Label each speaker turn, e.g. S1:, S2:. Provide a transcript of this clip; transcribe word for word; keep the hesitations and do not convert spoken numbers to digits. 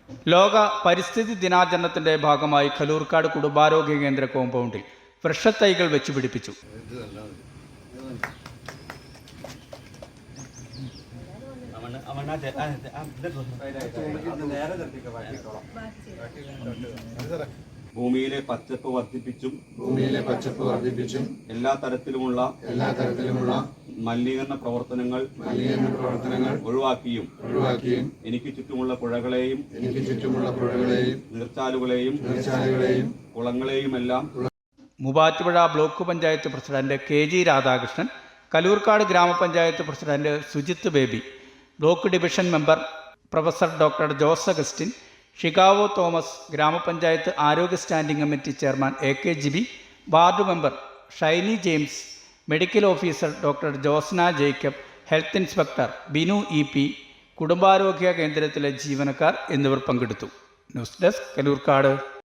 S1: ലോക പരിസ്ഥിതി ദിനാചരണത്തിന്റെ ഭാഗമായി കലൂർക്കാട് കുടുംബാരോഗ്യ കേന്ദ്ര കോമ്പൗണ്ടിൽ വൃക്ഷത്തൈകൾ വെച്ച് പിടിപ്പിച്ചു.
S2: ഭൂമിയിലെ പച്ചപ്പ് വർദ്ധിപ്പിച്ചും
S3: ഭൂമിയിലെ പച്ചപ്പ് വർദ്ധിപ്പിച്ചും
S2: എല്ലാ തരത്തിലുമുള്ള
S3: എല്ലാ തരത്തിലുമുള്ള
S2: മലിനീകരണ പ്രവർത്തനങ്ങൾ
S3: മലിനീകരണ പ്രവർത്തനങ്ങൾ
S2: ഒഴിവാക്കിയും
S3: ഒഴിവാക്കിയും
S2: എനിക്ക് ചുറ്റുമുള്ള പുഴകളെയും
S3: എനിക്ക് ചുറ്റുമുള്ള പുഴകളെയും
S2: നീർച്ചാലുകളെയും
S3: നീർച്ചാലുകളെയും
S2: കുളങ്ങളെയുമെല്ലാം
S1: Muvattupuzha block panchayat president K G Radhakrishnan, Kalloorkad ഗ്രാമപഞ്ചായത്ത് president Sujith Baby, block division member professor doctor Jose Augustine, ഷികാവോ തോമസ്, ഗ്രാമപഞ്ചായത്ത് ആരോഗ്യ standing committee chairman A K Jibi, ward member Shiny James, medical officer doctor Josna Jacob, health inspector Binu E P, കുടുംബാരോഗ്യ കേന്ദ്രത്തിലെ ജീവനക്കാർ എന്നിവർ പങ്കെടുത്തു. News desk, Kaloorkad.